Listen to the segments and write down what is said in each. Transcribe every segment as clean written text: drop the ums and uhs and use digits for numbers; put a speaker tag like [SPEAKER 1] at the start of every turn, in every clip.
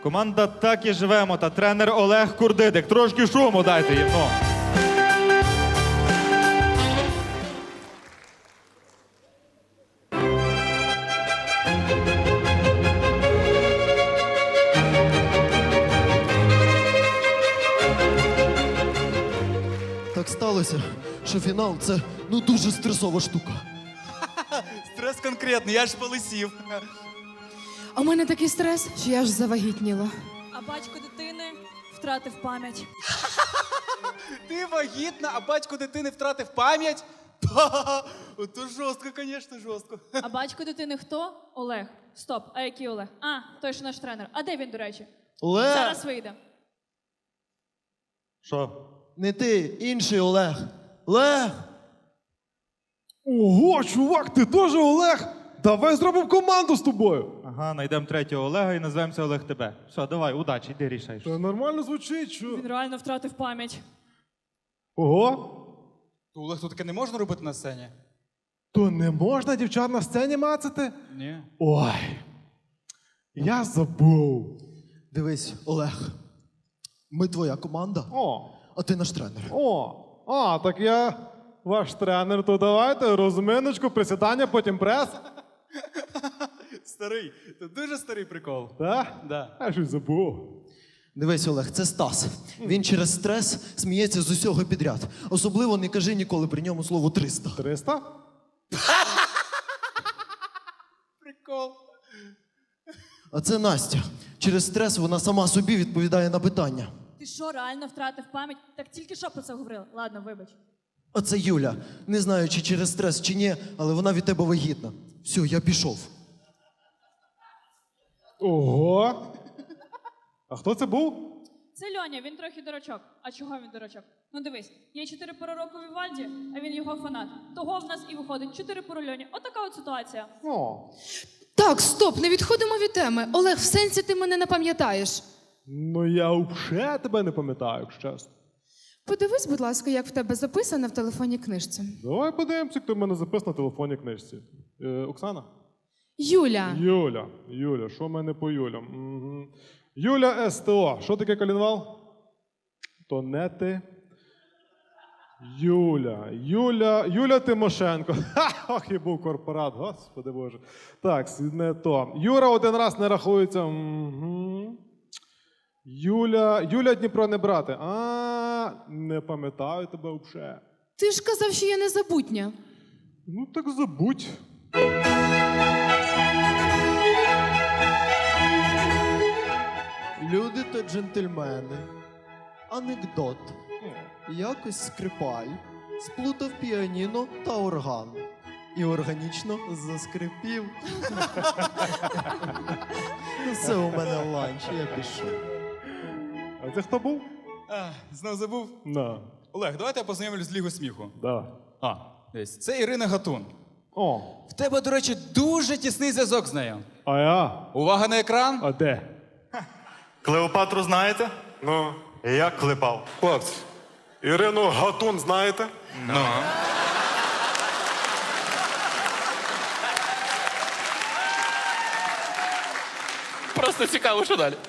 [SPEAKER 1] Команда «Так і живемо» та тренер Олег Курдидик. Трошки шуму дайте їм, ну.
[SPEAKER 2] Так сталося, що фінал це дуже стресова штука.
[SPEAKER 3] Стрес конкретний, я ж полисів.
[SPEAKER 4] А у мене такий стрес, що я аж завагітніла.
[SPEAKER 5] А батько дитини втратив пам'ять.
[SPEAKER 3] Ти вагітна, а батько дитини втратив пам'ять? Та, ото жорстко, звісно, жорстко.
[SPEAKER 5] А батько дитини хто? Олег. Стоп, а який Олег? А, той, що наш тренер. А де він, до речі?
[SPEAKER 2] Олег!
[SPEAKER 5] Зараз вийде.
[SPEAKER 1] Що?
[SPEAKER 2] Не ти, інший Олег. Олег!
[SPEAKER 6] Ого, чувак, ти теж Олег? Давай зробимо команду з тобою.
[SPEAKER 1] Ага, знайдемо третього Олега і назвемося Олег тебе. Все, давай, удачі, йди рішаєш.
[SPEAKER 6] Та нормально звучить, що?
[SPEAKER 5] Він реально втратив пам'ять.
[SPEAKER 6] Ого,
[SPEAKER 3] То, Олег, то таке не можна робити на сцені?
[SPEAKER 6] то не можна дівчат на сцені мацати?
[SPEAKER 3] Ні.
[SPEAKER 6] Ой, я забув.
[SPEAKER 2] Дивись, Олег, ми твоя команда,
[SPEAKER 6] О,
[SPEAKER 2] а ти наш тренер.
[SPEAKER 6] так я ваш тренер, то давайте розминочку, присідання, потім прес.
[SPEAKER 3] Старий, це дуже старий прикол.
[SPEAKER 6] Так?
[SPEAKER 3] Да.
[SPEAKER 6] Я щось забув.
[SPEAKER 2] Дивись, Олег, це Стас. Він через стрес сміється з усього підряд. Особливо не кажи ніколи при ньому слово 300.
[SPEAKER 6] 300?
[SPEAKER 3] Прикол.
[SPEAKER 2] А це Настя. Через стрес вона сама собі відповідає на питання.
[SPEAKER 5] Ти що, реально втратив пам'ять? Так тільки що про це говорили. Ладно, вибач.
[SPEAKER 2] А це Юля. Не знаю, чи через стрес, чи ні, але вона від тебе вагітна. Все, я пішов.
[SPEAKER 6] Ого. А хто це був?
[SPEAKER 5] Це Льоня, він трохи дурачок. А чого він дурачок? Ну дивись, є 4 пори року Вівальді, а він його фанат. Того в нас і виходить 4 пори Льоні. Отака от ситуація.
[SPEAKER 6] О.
[SPEAKER 4] Так, стоп, не відходимо від теми. Олег, в сенсі ти мене не пам'ятаєш.
[SPEAKER 6] Ну я взагалі тебе не пам'ятаю, якщо чесно.
[SPEAKER 4] Подивись, будь ласка, як в тебе записано в телефонній книжці.
[SPEAKER 6] Давай подивимося, хто в мене записано на телефонній книжці. Оксана?
[SPEAKER 4] Юля.
[SPEAKER 6] Юля, що в мене по Юлям? Угу. Юля СТО. Що таке колінвал? То не ти. Юля Тимошенко. Ох, і був корпорат, господи боже. Так, не то. Юра один раз не рахується. Угу. Юля Дніпро не брати. Не пам'ятаю тебе взагалі.
[SPEAKER 4] Ти ж казав, що я незабутня.
[SPEAKER 6] Ну так забудь.
[SPEAKER 2] Люди та джентльмени. Анекдот. Якось скрипаль сплутав піаніно та орган. І органічно заскрипів. Ну все у мене ланч, я пішов.
[SPEAKER 6] А це хто був?
[SPEAKER 3] Знов забув?
[SPEAKER 6] На.
[SPEAKER 3] Олег, давайте я познайомлюсь з Лігою сміху.
[SPEAKER 6] Да.
[SPEAKER 3] Десь. Це Ірина Гатун.
[SPEAKER 6] О,
[SPEAKER 3] В тебе, до речі, дуже тісний зв'язок з нею.
[SPEAKER 6] а я?
[SPEAKER 3] Увага на екран.
[SPEAKER 6] А де?
[SPEAKER 7] Клеопатру знаєте?
[SPEAKER 8] Ну,
[SPEAKER 7] Як клепав?
[SPEAKER 8] хлопці, Ірину Гатун знаєте?
[SPEAKER 3] Ну.
[SPEAKER 9] Просто цікаво, що далі.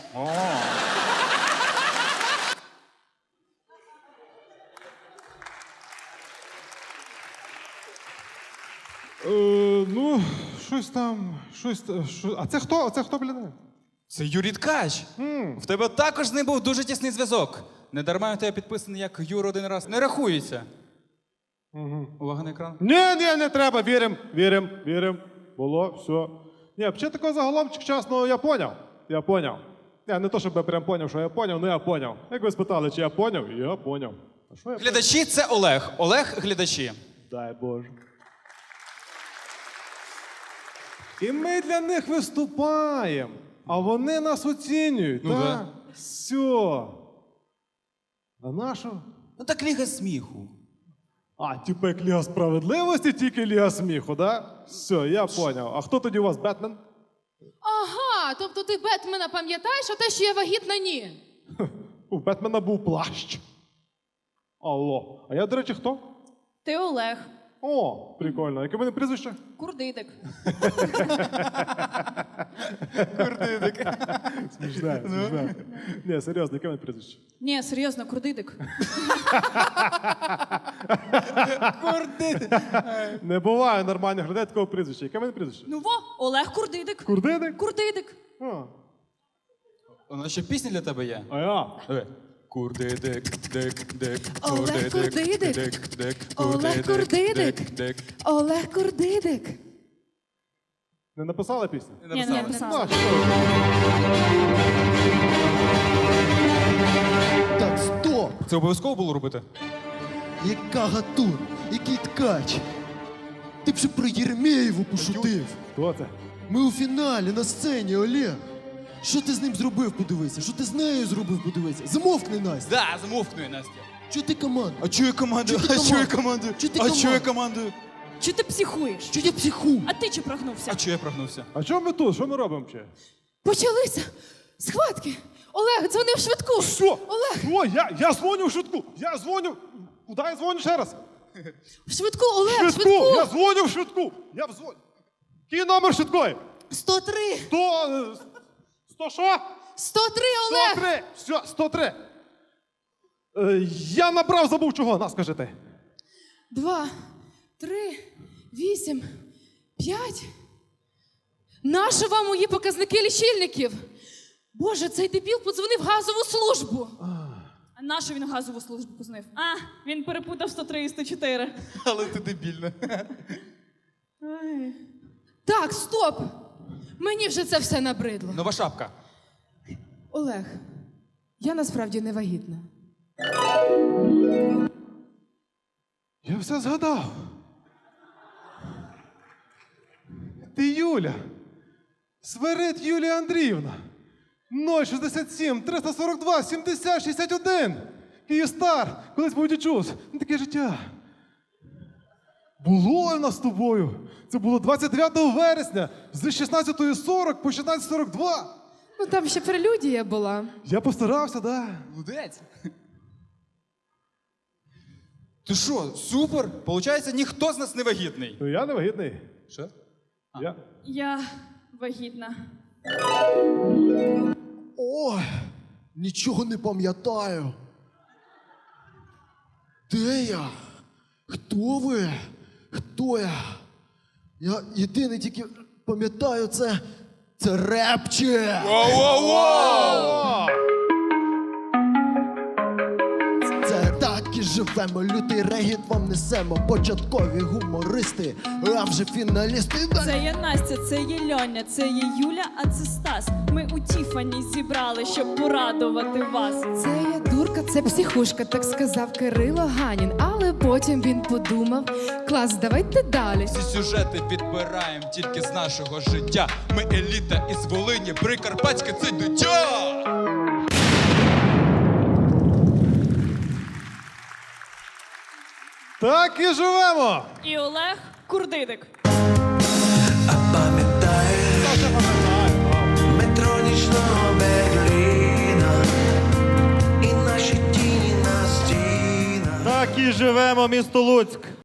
[SPEAKER 6] Ну, щось. А це хто? А це хто, блін?
[SPEAKER 3] Це Юрій Ткач. В тебе також з ним був дуже тісний зв'язок. Не дарма в тебе підписаний як Юра один раз. Не рахується. Увага на екран.
[SPEAKER 6] Ні, не треба, вірим. Було, все. Ні, взагалі такого заголовчик чесно, я поняв. Я не то, щоб я прям поняв, що я поняв, але я поняв. Як ви спитали, чи я поняв? Я поняв. А що я
[SPEAKER 3] Глядачі це Олег. Олег глядачі.
[SPEAKER 6] Дай Боже. І ми для них виступаємо, а вони нас оцінюють.
[SPEAKER 3] Ну
[SPEAKER 6] так?
[SPEAKER 3] да.
[SPEAKER 6] Все. А нащо?
[SPEAKER 3] Ну так Ліга сміху.
[SPEAKER 6] Типу як Ліга справедливості, тільки Ліга сміху, да? Все, я поняв. А хто тоді у вас, Бетмен?
[SPEAKER 4] Ага, тобто ти Бетмена пам'ятаєш, а те, що я вагітна, ні.
[SPEAKER 6] У Бетмена був плащ. Алло. А я, до речі, хто?
[SPEAKER 5] Ти Олег.
[SPEAKER 6] О, прикольно. Яке в мене прізвище?
[SPEAKER 5] Курдидик.
[SPEAKER 6] Смішне, смішне. Ні, серйозно, яке в мене прізвище?
[SPEAKER 5] Ні, серйозно, курдидик.
[SPEAKER 6] Не буває нормальних людей такого прізвища. Яке в мене прізвище?
[SPEAKER 5] Ну во, Олег Курдидик.
[SPEAKER 6] Курдидик?
[SPEAKER 5] Курдидик.
[SPEAKER 6] А,
[SPEAKER 3] У нас ще пісня для тебе є.
[SPEAKER 6] а я?
[SPEAKER 3] Диви. Курдидик, дик, дик,
[SPEAKER 4] Олег Курдидик.
[SPEAKER 3] дик,
[SPEAKER 4] Олег Курдидик.
[SPEAKER 3] дик.
[SPEAKER 4] Олег Курдидик.
[SPEAKER 6] Не написали пісню?
[SPEAKER 5] Ні, не написала.
[SPEAKER 6] А, що?
[SPEAKER 2] Так, стоп!
[SPEAKER 3] Це обов'язково було робити?
[SPEAKER 2] Яка Гатун? Який ткач? Ти б ще про Єремєєву пошутив.
[SPEAKER 6] Хто це?
[SPEAKER 2] Ми у фіналі на сцені, Олег. Що ти з ним зробив, подивися? Що ти з нею зробив, подивися? Замовкни, Настя.
[SPEAKER 3] Да, замовкнує, Настя.
[SPEAKER 2] Чого ти команда?
[SPEAKER 3] А чую команду?
[SPEAKER 2] Чого ти
[SPEAKER 3] А чую
[SPEAKER 2] команду?
[SPEAKER 3] команду?
[SPEAKER 2] Чого ти
[SPEAKER 3] А чую
[SPEAKER 2] команду?
[SPEAKER 3] команду?
[SPEAKER 5] Чи ти психуєш?
[SPEAKER 2] Чого я психу?
[SPEAKER 5] А ти чи прогнувся?
[SPEAKER 3] А чую я прогнувся?
[SPEAKER 6] А чому ми тут? Що ми робимо ще?
[SPEAKER 4] Почалися схватки. Олег, дзвони в швидку.
[SPEAKER 6] Що?
[SPEAKER 4] Олег,
[SPEAKER 6] О, я дзвоню в швидку. Я дзвоню. Куди я дзвоню ще раз?
[SPEAKER 4] в швидку, Олег, в
[SPEAKER 6] Швидку!
[SPEAKER 4] швидку.
[SPEAKER 6] Я дзвоню в швидку. Я в дзвоню. Який номер швидкої?
[SPEAKER 2] 103!
[SPEAKER 6] 100 що?
[SPEAKER 4] 103, Олег.
[SPEAKER 6] 103. Все, 103. Я набрав, забув чого. На, скажи ти.
[SPEAKER 4] 2, 3, 8, 5. Нащо вам мої показники лічильників? Боже, цей дебіл подзвонив в газову службу.
[SPEAKER 5] А нащо він газову службу познив? А, він перепутав 103 і 104.
[SPEAKER 3] Але ти дебільна.
[SPEAKER 4] Так, стоп. Мені вже це все набридло.
[SPEAKER 3] Нова шапка.
[SPEAKER 4] Олег, я насправді не вагітна.
[SPEAKER 6] Я все згадав. Ти Юля. Свирид Юлія Андріївна. 067 342 70 61. Київстар. Колись був дічус. Ну, таке життя. Було в нас з тобою. Це було 29 вересня з 16:40 по 16:42.
[SPEAKER 4] Ну там ще прелюдія була.
[SPEAKER 6] Я постарався, да.
[SPEAKER 3] Молодець. Ти що, супер? Получається, ніхто з нас не вагітний.
[SPEAKER 6] Ну я не вагітний.
[SPEAKER 3] Що?
[SPEAKER 5] Я вагітна.
[SPEAKER 2] Ой, нічого не пам'ятаю. Де я? Хто ви? Хто я? Я єдине тільки пам'ятаю, це репче. Це так і живемо, лютий регіт вам несемо. Початкові гумористи, а вже фіналісти.
[SPEAKER 5] Це є Настя, це є Льоня, це є Юля, а це Стас. Ми у Тіфані зібрали, щоб порадувати вас.
[SPEAKER 4] Це я дурка, це психушка, так сказав Кирило Ганін. Але потім він подумав: клас, давайте далі.
[SPEAKER 3] Всі сюжети підбираємо тільки з нашого життя. Ми еліта із Волині, Прикарпатське це дитя!
[SPEAKER 6] Так і живемо.
[SPEAKER 5] І Олег Курдидик.
[SPEAKER 10] Метро нічного Берліна і наші тіні на стінах.
[SPEAKER 1] Так і живемо, місто Луцьк.